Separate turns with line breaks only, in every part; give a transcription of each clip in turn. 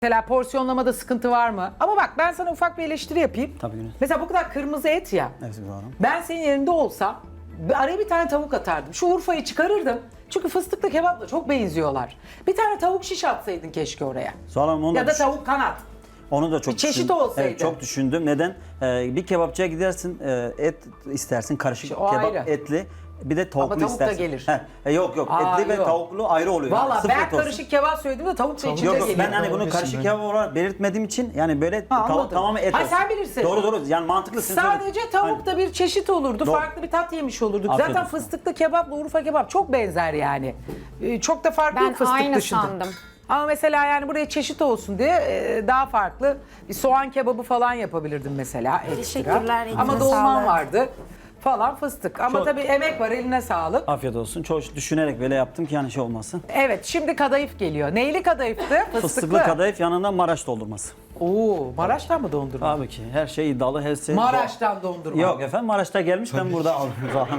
Mesela porsiyonlamada sıkıntı var mı? Ama bak ben sana ufak bir eleştiri yapayım.
Tabii ki.
Mesela bu kadar kırmızı et ya.
Evet doğru.
Ben senin yerinde olsam araya bir tane tavuk atardım. Şu Urfa'yı çıkarırdım. Çünkü fıstıklı kebapla çok benziyorlar. Bir tane tavuk şiş atsaydın keşke oraya.
Sonra onu
Ya da tavuk kanat.
Onu da çok
Bir çeşit
düşündüm.
olsaydı.
Evet, çok düşündüm. Neden? Bir kebapçıya gidersin, et istersin, karışık
İşte o
kebap
ayrı.
etli. Bir de tavuklu
tavuk da
istersin.
gelir.
Yok yok,
Aa,
etli ve
yok.
tavuklu ayrı oluyor.
Valla
Sıfır
ben
olsun.
karışık kebap söylediğimde tavuk da içinde
Yok yok,
geliyor.
ben hani bunu karışık kebap olarak belirtmediğim için yani böyle
anladım.
tamamen et
Ha,
olsun.
sen bilirsin.
Doğru doğru, yani mantıklısın.
Sadece tavuk da bir çeşit olurdu.
Doğru.
Farklı bir tat yemiş olurduk.
Afiyet
Zaten
olsun.
fıstıklı kebapla Urfa kebap çok benzer yani. Çok da farklı
Ben
yok fıstık
aynı
dışında.
sandım.
Ama mesela yani buraya çeşit olsun diye daha farklı bir soğan kebabı falan yapabilirdim mesela ekstra.
Teşekkürler, elinize
Ama dolman
sağlık.
vardı falan fıstık. Ama
Çok-
tabii emek var, eline sağlık.
Afiyet olsun. Çok düşünerek böyle yaptım ki yani şey olmasın.
Evet, şimdi kadayıf geliyor. Neyli kadayıftı? Fıstıklı.
Fıstıklı kadayıf, yanında Maraş doldurması.
Oo, Maraş'tan mı dondurma?
Tabii ki her şey iddialı, her şey...
Maraş'tan dondurma.
Yok efendim, Maraş'ta gelmiş, ben burada aldım.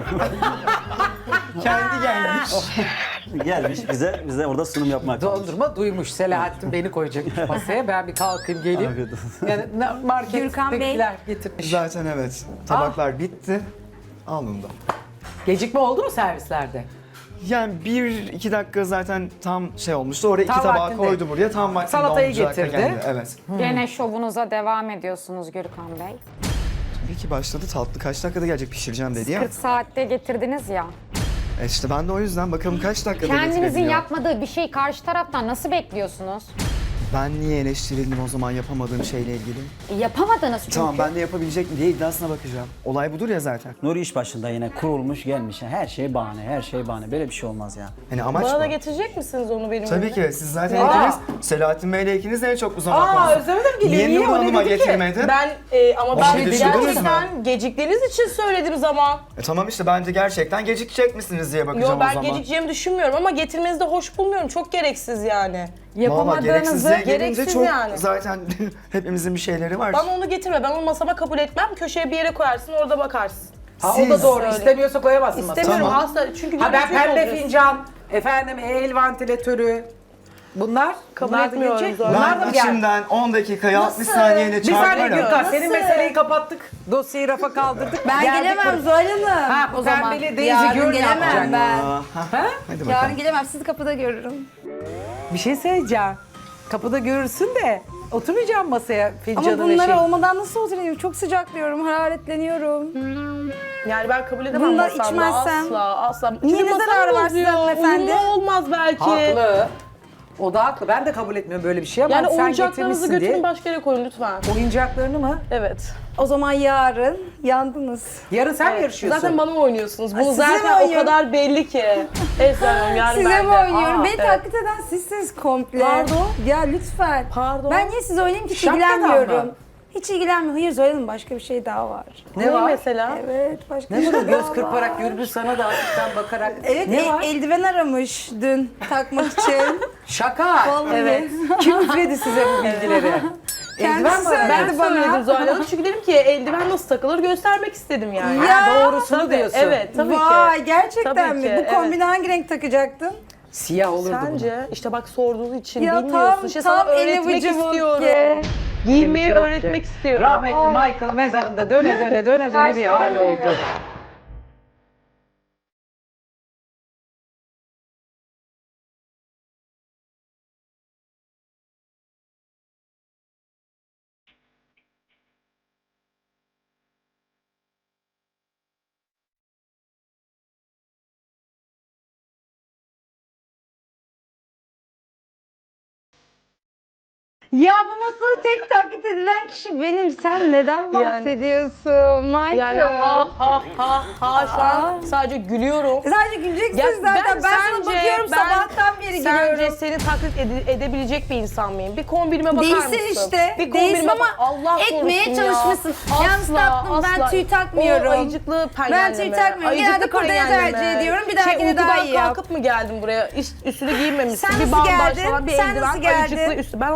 Kendi gelmiş.
Gelmiş bize orada sunum yapmak.
Dondurma duymuş. Selahattin beni koyacak masaya. Ben bir kalkayım geleyim.
Afiyet olsun.
Yani
Gürkan Bey.
markettekiler getirmiş.
Zaten evet. Tabaklar bitti. Alnımda.
Gecikme oldu mu servislerde?
Yani 1-2 dakika zaten tam şey olmuştu. Oraya
Tam
iki tabağı
vaktinde.
koydu buraya. Tam vaktinde
Salatayı
olacak da
getirdi.
geldi. Evet.
Gene şovunuza devam ediyorsunuz Gürkan Bey.
Tabii ki başladı. Tatlı kaç dakikada gelecek pişireceğim dedi ya.
40 saatte getirdiniz ya.
İşte ben de o yüzden bakalım kaç dakikada
Kendinizin
getirebiliyor.
yapmadığı bir şey karşı taraftan nasıl bekliyorsunuz?
Ben niye eleştirildim o zaman yapamadığım şeyle ilgili?
Yapamadınız çünkü.
Tamam ben de yapabilecek mi diye iddiasına bakacağım. Olay budur ya zaten.
Nuri iş başında yine kurulmuş gelmiş. Her şey bahane, her şey bahane. Böyle bir şey olmaz ya.
Hani amaç
Bana da
bu.
getirecek misiniz onu benim
Tabii
önüme?
ki siz zaten ikiniz Selahattin Bey'le ikiniz de en çok uzun
Özlem Hanım geliyor.
Niye Nur
O ne
Hanım'a
dedi ki?
getirmedin?
Ben ama
O
ben
şey düşündünüz mü?
gerçekten geciktiğiniz için söyledim zaman.
Tamam işte bence gerçekten gecikecek misiniz diye
Yo
bakacağım o
ben
zaman.
gecikeceğimi düşünmüyorum ama getirmenizi de hoş bulmuyorum. Çok gereksiz yani.
Valla gereksizliğe gelince
gereksiz
çok
yani.
zaten hepimizin bir şeyleri var.
Bana onu getirme. Ben onu masama kabul etmem. Köşeye bir yere koyarsın orada bakarsın.
Ha, o da
Siz-
doğru.
Söyle.
İstemiyorsa koyamazsın masaya.
İstemiyorum
Tamam.
asla. Çünkü
Ha ben
görüntüyü
pembe
bozuyorsun.
fincan, efendim el vantilatörü. Bunlar
Kabul
bunlar da
etmiyorum
gelecek.
zaten.
Bunlar da
Ben
mı geldi?
içimden 10 dakikaya 60 saniyeyle
Bir saniye
çarparım.
Gürkan, senin
Nasıl?
meseleyi kapattık. Dosyayı rafa kaldırdık.
Ben
Geldik
gelemem
buraya.
Zuhal Hanım.
Ha bu
o zaman.
pembeli Daisy
Yarın
Gürn
gelemem
yapacak.
ben.
Ha?
Hadi bakalım.
Yarın gelemem. Sizi kapıda görürüm.
Bir şey söyleyeceğim. Kapıda görürsün de oturmayacağım masaya fincanın
Ama bunları
eşeği.
olmadan nasıl oturayım? Çok sıcaklıyorum, hararetleniyorum.
Yani ben kabul edemem
Bunu da
masamda.
içmezsem.
Asla.
Niye,
Çünkü
ne
masam
zararı var
bozuyor.
size hanımefendi?
Uyumlu olmaz belki.
Haklı. O da haklı. Ben de kabul etmiyorum böyle bir şey ama
Yani
sen
oyuncaklarınızı
getirmişsin
götürün
diye.
başka yere koyun lütfen.
Oyuncaklarını mı?
Evet.
O zaman yarın yandınız.
Yarın sen mi yarışıyorsun?
Zaten bana oynuyorsunuz. Bunu
size mi
zaten o
oynuyorum?
kadar belli ki. Esra Hanım yarın
Size
ben
mi
de.
oynuyorum?
Aa,
Beni
evet.
taklit eden sizsiniz komple.
Pardon?
Ya lütfen.
Pardon?
Ben niye size oynayayım ki hiç
Şapkadan
ilgilenmiyorum.
mı?
Hiç ilgilenmiyorum. Hayır Zuhal Hanım başka bir şey daha var.
Ne var?
mesela?
Evet başka
Ne
bir
var?
şey daha
Göz kırparak Gürbüz sana da hafiften bakarak.
Evet
Ne var?
eldiven aramış dün takmak için.
Şaka.
Vallahi.
Evet. Kim üfledi size bu bilgileri?
Kendisi
mi
söyledi
aradın?
Ben
bana.
söyledim Zuhal Hanım çünkü dedim ki eldiven nasıl takılır göstermek istedim yani.
Ya,
doğrusunu
tabii,
diyorsun.
Evet tabii
Vay
ki.
gerçekten
Tabii
mi?
ki,
Bu
evet.
kombini hangi renk takacaktın?
Siyah olurdu bu.
Sence işte bak sorduğunuz için
Ya
bilmiyorsun.
tam
İşte sana öğretmek istiyorum. Giymeyi öğretmek istiyorum.
Rahmetli Michael mezarında döne döne bir hal oldu.
Ya bu masada tek taklit edilen kişi benim. Sen neden bahsediyorsun Michael?
Yani ha şu an sadece gülüyorum.
Sadece güleceksiniz
Ya
zaten. Ben sana
sence-
bakıyorum sabahtan beri
Sence
gülüyorum.
seni taklit edebilecek bir insan mıyım? Bir kombinime bakar mısın?
Değilsin işte.
Bir
Değilsin
kombinime
ama
bak. Allah
etmeye
korusun ya.
çalışmışsın. Yalnız tatlım, ben tüy takmıyorum.
O ayıcıklı penyenle
Ben tüy takmıyorum. Genelde kurdele tercih ediyorum. Bir dahakine daha iyi yap.
kalkıp mı geldin buraya? Üstünü giymemişsin.
Sen
bir
nasıl
bandaj
geldin?
falan, bir
Sen
eldiven,
nasıl geldin?
ayıcıklı üstü. Ben onlarla
Sen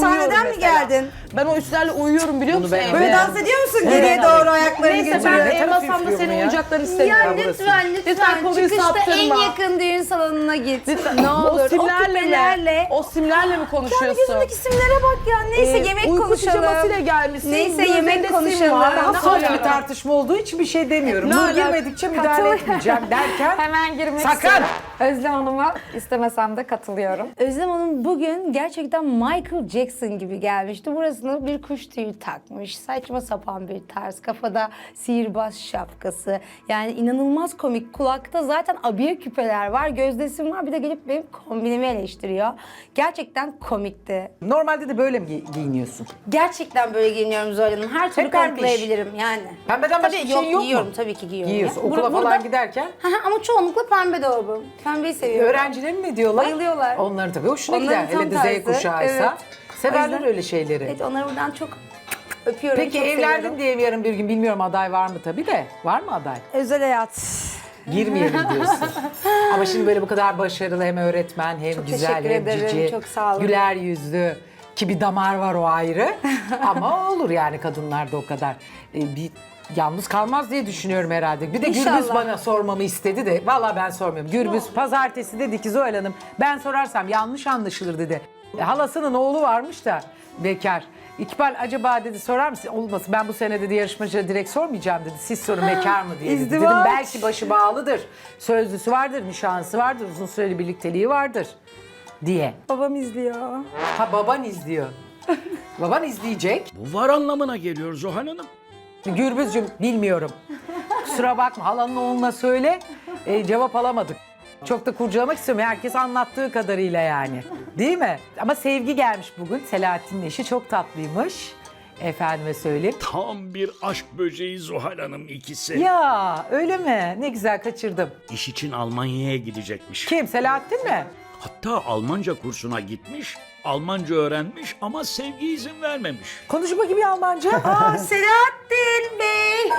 uyuyorum
sahneden mi
mesela.
geldin?
Ben o üstlerle uyuyorum biliyor musun?
ben-
evde?
Böyle dans ediyor musun
Evet,
geriye
evet.
doğru ayaklarını
Neyse ben
götürüyor?
Ne
ev
taraf
masamda
üflüyor
senin
bu ya?
oyuncaklarını
Ya
istemiyorum.
lütfen
Lütfen konuyu
çıkışta en
saptırma.
yakın düğün salonuna git.
Lütfen.
Ne olur
O simlerle
küpelerle.
mi? O simlerle mi
Kendi
konuşuyorsun?
gözündeki simlere bak ya. Neyse yemek
uyku
konuşalım.
pijamasıyla gelmişsin.
Neyse,
gözünde
yemek
sim
konuşalım.
var.
Daha
Nasıl
Soft
yani?
bir tartışma olduğu için bir şey demiyorum.
Ne
Nur
alaka?
girmedikçe müdahale etmeyeceğim derken
Hemen girmek
Sakın!
istiyorum. Özlem Hanım'a istemesem de katılıyorum.
Özlem Hanım bugün gerçekten Michael Jackson gibi gelmişti. Burasına bir kuş tüyü takmış. Saçma sapan bir tarz. Kafada sihirbaz şapkası. Yani inanılmaz komik. Kulakta zaten abiye küpeler var. Gözdesim var. Bir de gelip benim kombinimi eleştiriyor. Gerçekten komikti.
normalde de böyle mi giyiniyorsun?
Gerçekten böyle giyiniyorum Zuhal Hanım. Her türlü
Hep pembiş.
kanıtlayabilirim yani.
Pembeden başka
Tabii
bir şey yok mu?
giyiyorum tabii ki giyiyorum.
Giyiyorsun.
Ya.
Okula
Burada-
falan giderken
Hı hı, ama çoğunlukla pembe dolabım. Pembeyi seviyorum.
öğrencilerin ne diyorlar?
Bayılıyorlar.
Onların tabii hoşuna
Onların
gider.
tam
Hele de Z
tarzı.
kuşağıysa.
Evet.
Severler
O yüzden-
öyle şeyleri.
Evet onları buradan çok öpüyorum.
Peki
çok
evlendin
seviyorum.
diye yarın bir gün bilmiyorum aday var mı tabii de. Var mı aday?
Özel hayat.
Girmeyelim diyorsun. Ama şimdi böyle bu kadar başarılı hem öğretmen hem
Çok
güzel
teşekkür
hem
ederim,
cici.
çok sağ olun.
Güler yüzlü. Ki bir damar var o ayrı. Ama olur yani kadınlarda o kadar. Bir yalnız kalmaz diye düşünüyorum herhalde. Bir de
İnşallah.
Gürbüz bana sormamı istedi de. Vallahi ben sormuyorum. Gürbüz pazartesi dedi ki Zuhal Hanım ben sorarsam yanlış anlaşılır dedi. Halasının oğlu varmış da bekar. İkbal acaba dedi sorar mısın? Olmasın ben bu sene dedi yarışmacıya direkt sormayacağım dedi. Siz sorun bekar mı diye dedi. Dedim
İzdivaç.
belki başı bağlıdır. Sözlüsü vardır, nişanlısı vardır, uzun süreli birlikteliği vardır diye.
Babam izliyor.
Ha baban izliyor. Baban izleyecek.
Bu var anlamına geliyor Zuhal Hanım.
Gürbüzcüğüm bilmiyorum. Kusura bakma halanın oğluna söyle. Cevap alamadık. Çok da kurcalamak istemiyorum. Herkes anlattığı kadarıyla yani. Değil mi? Ama Sevgi gelmiş bugün. Selahattin'in eşi çok tatlıymış. Efendime söyleyeyim.
Tam bir aşk böceği Zuhal Hanım ikisi.
Ya öyle mi? Ne güzel kaçırdım.
İş için Almanya'ya gidecekmiş.
Kim? Selahattin mi?
Hatta Almanca kursuna gitmiş, Almanca öğrenmiş ama Sevgi izin vermemiş.
Konuş bakayım bir Almanca.
Aa Selahattin Bey.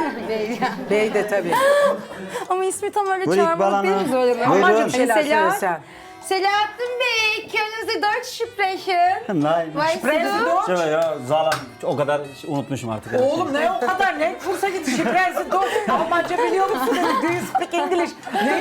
Bey de tabii.
Ama ismi tam öyle
Buyurun
çağırmalık değil mi
İkbal
Zuhal Hanım?
Hanım.
Almanca bir şeyler
Selahat-
söylesen.
Selahattin Bey, können Sie Deutsch sprechen?
Nein.
Weißt
Sprechen Sie
du?
Deutsch?
Şöyle ya Zalan o kadar unutmuşum artık. her
Oğlum ne o kadar ne? Kursa git şifresi doğru. Almanca biliyor musun dedi. Do you speak English?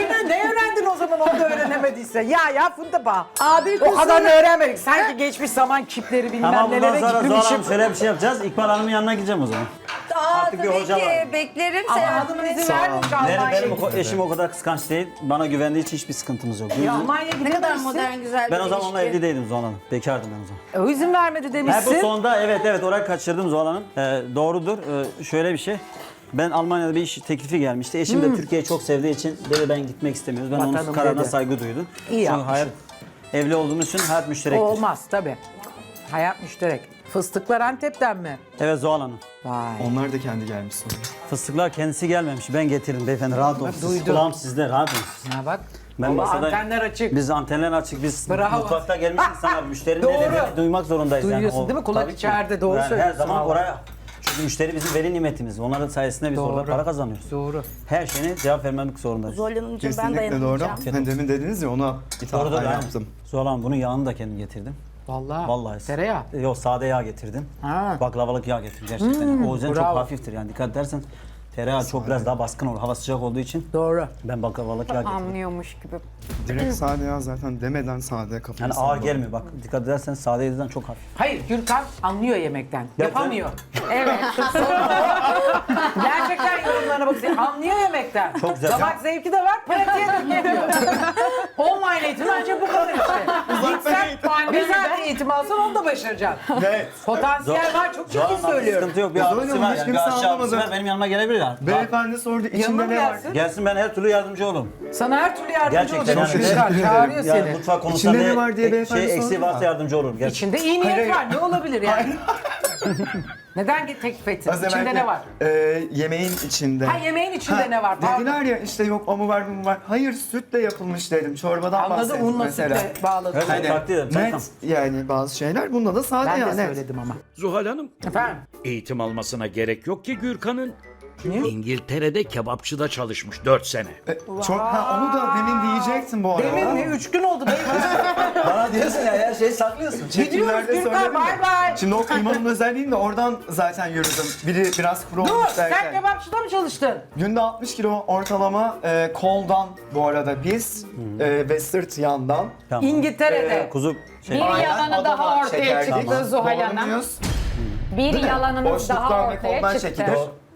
Ne öğrendin o zaman onu da öğrenemediyse? Ya Fundaba.
Abi
O kadar öğrenmedik. Sanki geçmiş zaman kipleri bilmem
Ama bundan
nelere
sonra Zuhal
gitmişim.
Hanım şöyle bir şey yapacağız. İkbal Hanım'ın yanına gideceğim o zaman. Artık bir
tabii
hoca
ki.
var.
Beklerim
Ama
Selahattin
hanımın
Bey.
izin vermemiş
Benim
Almanya'ya
eşim o kadar kıskanç değil. Bana güvendiği için hiçbir sıkıntımız yok.
Ya Almanya'ya
Ne kadar
gidemezsin.
modern güzel bir
Ben o zaman onunla
ilişki.
evli değildim Zuhal Hanım. Bekardım ben o zaman.
O izin vermedi
Ha, bu
demişsin.
sonda evet orayı kaçırdım Zuhal Hanım. Doğrudur. Şöyle bir şey. Ben Almanya'da bir iş teklifi gelmişti. Eşim de Türkiye'yi çok sevdiği için dedi ben gitmek istemiyoruz. Ben
Vatanım
onun kararına
dedi.
saygı duydum.
İyi
Çünkü
yapmışsın.
hayat evli olduğumuz için hayat müşterektir.
Olmaz tabii. Hayat müşterek. Fıstıklar Antep'ten mi?
Evet Zuhal Hanım.
Vay.
Onlar da kendi gelmiş sonra.
Fıstıklar kendisi gelmemiş. Ben getirdim beyefendi. Rahat olun. Siz,
duydum.
kulağım sizde. Rahat olun. siz.
Ha bak.
Ben
Vallahi
masada-
antenler açık.
Biz antenler açık. Biz
Bravo.
mutfakta gelmiş insanlar. Müşterinin
Doğru.
ne dediğini duymak zorundayız.
Duyuyorsun
yani.
değil mi? Kulak
tabii ki.
içeride, doğru
Yani Her
söylüyorsun
zaman
vallahi.
oraya. Çünkü müşteri bizim veli nimetimiz. Onların sayesinde biz
Doğru.
orada para kazanıyoruz.
Doğru.
Her şeyine cevap vermemek zorundayız.
Zuhal Hanımcığım ben
Kesinlikle doğru.
dayanamayacağım.
Hani demin dediniz ya ona
Doğrudur
ithafen
yani.
yaptım.
Zuhal Hanım bunun yağını da kendim getirdim.
Vallahi.
Vallahi.
Tereyağı.
Yok sade yağ getirdim.
Ha.
Baklavalık yağ getirdim gerçekten. O yüzden çok
bravo.
hafiftir yani dikkat edersen. Tereyağı çok biraz daha baskın olur. Hava sıcak olduğu için
Doğru.
ben baklavalık yağ getirdim.
Anlıyormuş gibi.
Direkt sade ya zaten demeden sade kafayı
Yani ağır
salladım.
gelmiyor bak. Dikkat edersen sade yediden çok hafif.
Hayır Gürkan anlıyor yemekten.
Gerçekten.
Yapamıyor.
Evet.
Gerçekten yorumlarına bakıyor. Anlıyor yemekten.
Çok güzel.
Damak zevki de var, pratiğe dökülüyor. Online eğitim ancak bu kadar işte. Gitsen bizzat eğitim alsan onu da başaracaksın.
Ne?
Potansiyel var, çok
Zuhal
ciddi
Hanım,
söylüyorum.
Sıkıntı yok. Bir
Zuhal
abisi
Hanım,
var.
hiç
Yani
kimse
bir aşağı abisi
anlamadı.
var. Benim yanıma gelebilir yani.
Beyefendi sordu
Yanına
içinde
mı
ne var?
gelsin?
Gelsin ben her türlü yardımcı olurum.
Sana her türlü yardımcı
Gerçekten
olacak.
yani.
Gürkan çağırıyor
Yani
seni.
mutfak konusunda
İçinde ne var diye beyefendi
eksiği
sordu
varsa
da.
yardımcı olurum. Gerçekten.
İçinde iyi niyet
Hayır,
var. Ne olabilir yani? Neden teklif ettin?
Az evvel
İçinde
de,
ne var?
Yemeğin içinde.
Ha yemeğin içinde ne var? Pardon.
Dediler ya işte yok o mu var bu mu var. Hayır sütle yapılmış dedim. Çorbadan
Anladım,
bahsettim
unla
mesela.
sütle bağladım.
Evet,
Hani
takdir ederim. Tamam.
net yani bazı şeyler bunda da sade
Ben
ya
de
net.
söyledim ama.
Zuhal Hanım,
Efendim?
eğitim almasına gerek yok ki Gürkan'ın. İngiltere'de kebapçıda çalışmış 4 sene.
Çok onu da demin diyecektim bu arada.
Demin mi? 3 gün oldu.
Bana diyorsun ya her şeyi saklıyorsun.
Çekimlerde
Gürkan,
söyledim
bay
ya.
bay.
Şimdi o kıymanın özelliğini de oradan zaten yürüdüm. Biri biraz kuru
Dur,
olmuş
sen
derken.
kebapçıda mı çalıştın?
Günde 60 kilo ortalama koldan bu arada biz ve sırt yandan.
Tamam.
İngiltere'de.
Kuzu şey.
Bir yalanı daha
Adana
ortaya
çekerdik.
çıktı Zuhal
Doğru
Hanım.
muyuz?
Bir yalanınız
Boşluktan
daha
ve
ortaya
koldan
çıktı.
çekilir.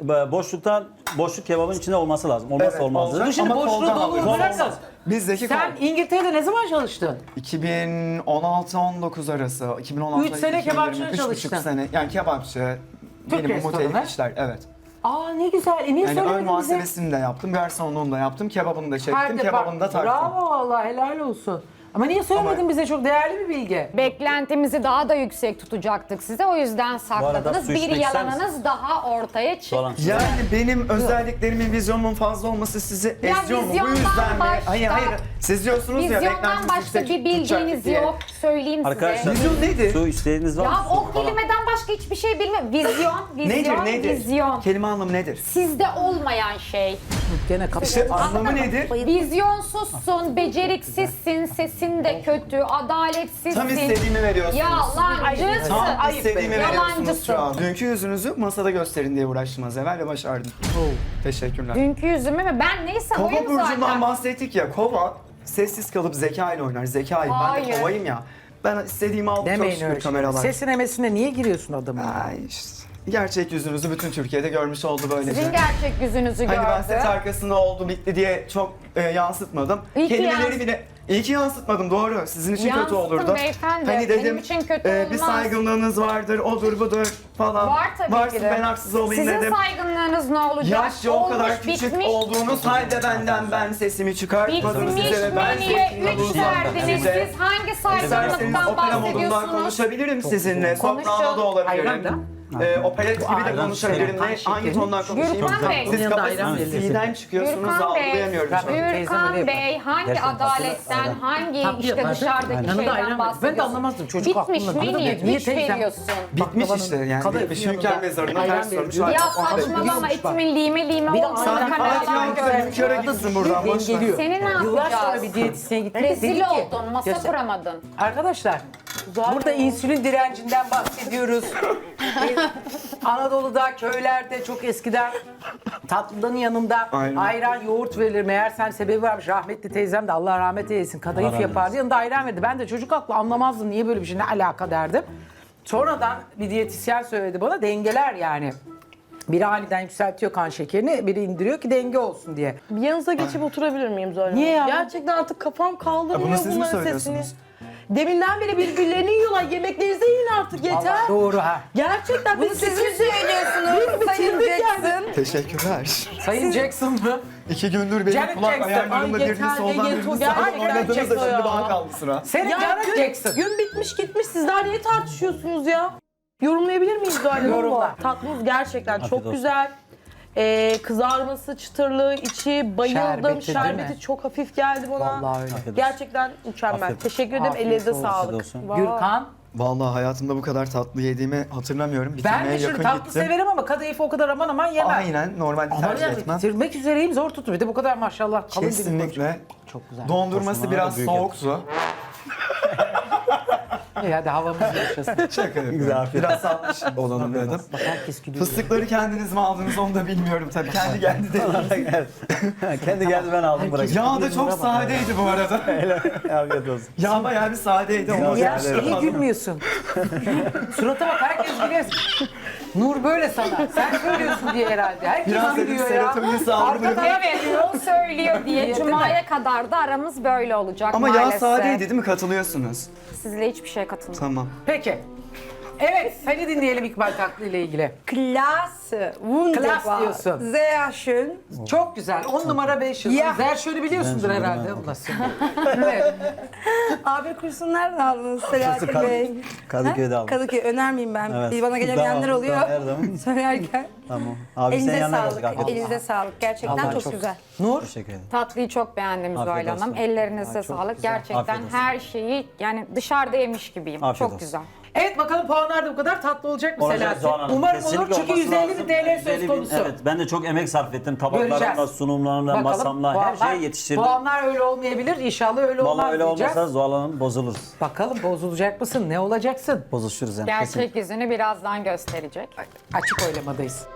Boşluk kebabın içinde olması lazım. Olmazsa olmaz.
olacak.
Dur şimdi
Ama
boşluğu
koldan
dolu
alıyoruz.
bırakın.
Bizdeki
Sen İngiltere'de ne zaman çalıştın?
2016-19 arası. 2016
3 sene kebapçıda
3,5
çalıştın.
sene. Yani kebapçı,
Türk
minimum
restoranı.
otelik işler. Evet.
Aa ne güzel. Niye
Yani ön
söylemedin bize?
muhasebesini de yaptım, garsonluğunu da yaptım, kebabını da çektim,
Her
kebabını da taktım.
Bravo vallahi helal olsun. Ama niye söylemedin
Ama-
bize? Çok değerli bir bilgi.
Beklentimizi daha da yüksek tutacaktık size. O yüzden sakladınız.
su
Bir
içmek ister
yalanınız daha ortaya çıktı.
Soğan.
Yani benim özelliklerimin, vizyonumun fazla olması sizi eziyor mu? Bu
vizyondan
yüzden mi?
başka-
Hayır hayır. Siz diyorsunuz ya
Vizyondan
beklentiniz
başka
yüksek
bir bilginiz
tutacak diye.
yok. Söyleyeyim
Arkadaşlar
size.
Vizyon neydi?
su isteğiniz var mı?
Ya
Su
o
falan.
kelimeden başka hiçbir şey bilmiyorum.
Nedir?
Vizyon.
Kelime anlamı nedir?
Sizde olmayan şey.
Gene kapı.
İşte anlamı nedir?
Vizyonsuzsun, beceriksizsin, sesin de kötü, adaletsizsin.
Tam istediğimi veriyorsunuz.
Yalancısın.
Tam istediğimi veriyorsunuz
Yalancısın.
şu an. Dünkü yüzünüzü masada gösterin diye uğraştım az evvel ve başardım. Teşekkürler.
Dünkü yüzümü mü? Ben neyse
Kova
oyum
burcundan
zaten.
bahsettik ya. Kova sessiz kalıp zeka ile oynar. Zekayım. Ben de
Hayır.
kovayım ya. Ben istediğimi aldım çok
Demeyin
şükür
öyle.
kameralar.
Sesine mesine niye giriyorsun adamın?
Ay işte. Gerçek yüzünüzü bütün Türkiye'de görmüş oldu böylece.
Sizin gerçek yüzünüzü
Hani ben
gördü.
set arkasında oldu bitti diye çok yansıtmadım.
İyi ki
Kelimeleri bile iyi ki yansıtmadım doğru. Sizin için kötü
Yansıttım
olurdu.
beyefendi.
Hani
Benim
dedim
için kötü
bir
olmaz.
saygınlığınız vardır, odur budur falan.
Var tabii
Varsın
ki de.
ben haksız olayım
Sizin
dedim.
saygınlığınız ne olacak?
Yaşça o kadar
Olmuş,
küçük
bitmiş.
olduğunuz halde benden ben sesimi çıkartmadım
Bitmiş
size ve ben
menüye
sesimi
3 verdiniz.
size.
Siz hangi
İsterseniz
saygınlıktan
opera modundan
bahsediyorsunuz?
konuşabilirim sizinle.
Konuşun.
Soprano da
Ayran da.
olabilirim. Operet gibi de konuşabilirim.
ayran
Ne, hangi
şekeri.
tondan konuşayım?
Gürkan Bey.
Siz
Yanında ayran
kafasınız
verilir.
C'den çıkıyorsunuz
Gürkan Bey,
algılayamıyorum şu an.
Teyzem öyle
Gürkan
yapar.
Bey hangi
Gerçekten
adaletten,
ayran.
hangi
Tatlı
işte
yapar.
dışarıdaki
Yanında ayran
şeyden
var.
bahsediyorsun?
Ben de anlamazdım, çocuk
Bitmiş
aklımda.
menüye
Niye
3
teyzem?
veriyorsun.
Bitmiş işte yani.
kadayıf
Bitmiş
yanında
hünkâr mezarına
ayran
ters sormuş.
veriyor.
Ya
Ayran
saçmalama
biliyormuş bak.
etimin lime lime
Bir de
olduğunu
ayran
kameralar
Fatih
gördü.
hünkâra gitsin buradan boş ver.
Dengeliyor.
Seni ne
Yıllar sonra
yapacağız?
bir diyetisyene gittik. de
Rezil
dedi ki-
oldun, masa
Göster-
kuramadın.
Arkadaşlar burada insülin direncinden bahsediyoruz. Anadolu'da, köylerde çok eskiden tatlının yanında
Aynen.
ayran, yoğurt verilir. Meğersem sebebi varmış. Rahmetli teyzem de Allah rahmet eylesin kadayıf
Allah rahmet
yapardı. Yanında ayran verdi. Ben de çocuk aklı anlamazdım niye böyle bir şey ne alaka derdim. Sonradan bir diyetisyen söyledi bana dengeler yani. Biri aniden yükseltiyor kan şekerini, biri indiriyor ki denge olsun diye.
Bir yanınıza geçip oturabilir miyim Zuhal
Niye
Hanım?
ya?
Gerçekten artık kafam
Ya
kaldırmıyor
bunu siz mi
bunların sesini.
söylüyorsunuz?
Deminden beri birbirlerini yiyorlar. Yemeklerinize yiyin artık yeter.
Allah doğru ha.
Gerçekten bunu siz mi söylüyorsunuz?
Sayın
Jackson.
Teşekkürler.
Sayın Jackson mı?
2 gündür benim
Janet
kulak
Jackson.
ayarlarımda
Ay,
birini
yeter,
soldan
yeter,
birini
gerçekten
sağdan oynadınız da
Jackson
şimdi
ya.
bana kaldı sıra.
Senin
Ya
Janet Jackson.
gün bitmiş gitmiş. Siz daha niye tartışıyorsunuz ya? Yorumlayabilir miyiz Zuhal Hanım?
Yorumla.
Tatlınız gerçekten çok
olsun.
güzel. Kızarması, çıtırlığı, içi bayıldım.
Şerbeti, değil
Şerbeti
mi?
çok hafif geldi bana.
Vallahi öyle.
Afiyet olsun.
Gerçekten mükemmel.
Afiyet olsun.
Teşekkür ederim.
Afiyet
Ellerinize
olsun.
sağlık.
Afiyet olsun.
Vay.
Gürkan.
Vallahi hayatımda bu kadar tatlı yediğimi hatırlamıyorum.
Ben
Bitirmeye
de şimdi
yakın
tatlı
gittim.
severim ama kadayıfı o kadar aman aman yemem.
Aynen normalde
Ama
tercih
yani
etmem.
bitirmek üzereyim zor tutuyor. Bir de bu kadar maşallah kalın bir
Kesinlikle.
Çok güzel.
Dondurması
Tosunlar
biraz
da büyük
soğuktu.
İyi hadi havamız yaşasın.
Şaka yapıyorum. Biraz salmış olalım dedim.
Bak herkes gülüyor.
Fıstıkları kendiniz mi aldınız onu da bilmiyorum tabii. Kendi geldi de.
Kendi geldi ben aldım bırakayım.
Yağ da çok sadeydi bu arada.
Afiyet olsun.
Yağ bayağı bir sadeydi. Onu
Ya
gerçekten
niye
aldım.
gülmüyorsun? Surata bak herkes gülüyor. Nur böyle sana. Sen söylüyorsun diye herhalde. Herkes
Biraz dedim
gülüyor ya.
serotonin salgını.
Evet o söylüyor diye
Değil
Cuma'ya kadar da aramız böyle olacak
Ama yağ
maalesef.
sadeydi değil mi? Katılıyorsunuz.
Sizle hiçbir şey katılmıyorum.
Tamam.
Peki. Evet seni dinleyelim İkbal Tatlı ile ilgili.
Klasse, wunderbar,
Klas diyorsun.
sehr schön.
Çok güzel. 10 numara 5 yıl.
Ya.
Zerşöl'ü biliyorsundur
Ben
herhalde.
bilmem.
Nasıl? Evet.
Abi kursunu nereden aldınız Selahattin Bey?
Kadıköy'de aldım.
Kadıköy önermeyeyim ben.
Evet.
Bir bana gelemeyenler
Tamam,
oluyor.
tamam, her zaman.
Söylerken.
Tamam. Abi sen
Elinize
yanına
sağlık.
geldik. Afiyet olsun.
Elinize sağlık. Gerçekten
Allah
çok,
çok-
güzel.
Nur.
Teşekkür ederim.
Tatlıyı çok beğendim
Afiyet
Zuhal Hanım.
olsun.
Ellerinize sağlık. Gerçekten
Afiyet olsun.
her şeyi yani dışarıda yemiş gibiyim.
Afiyet
çok
olsun.
güzel.
Evet bakalım puanlar da bu kadar tatlı olacak mı
Olacak
Selahattin?
Zuhal Hanım.
Umarım
Kesinlikle
olur çünkü
olması
150 bin
lazım.
TL
150
söz
bin,
konusu.
Evet, ben de çok emek sarf ettim. Tabaklarımla,
Göreceğiz.
sunumlarımla,
Bakalım,
masamla her şeyi yetiştirdim.
Puanlar öyle olmayabilir. İnşallah öyle olmaz
Vallahi öyle
diyeceğiz.
olmasa Zuhal Hanım bozuluruz.
Bakalım bozulacak mısın? Ne olacaksın?
Bozuşuruz yani. kesin.
Gerçek yüzünü birazdan gösterecek.
Açık oylamadayız.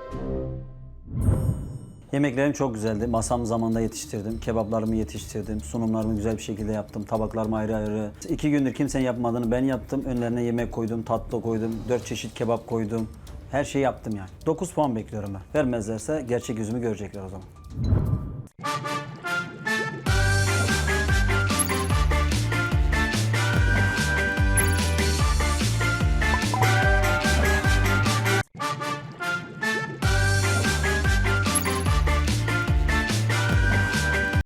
Yemeklerim çok güzeldi. Masam zamanında yetiştirdim. Kebaplarımı yetiştirdim. Sunumlarımı güzel bir şekilde yaptım. Tabaklarımı ayrı ayrı. 2 gündür kimsenin yapmadığını ben yaptım. Önlerine yemek koydum, tatlı koydum. 4 çeşit kebap koydum. Her şeyi yaptım yani. 9 puan bekliyorum ben. Vermezlerse gerçek yüzümü görecekler o zaman.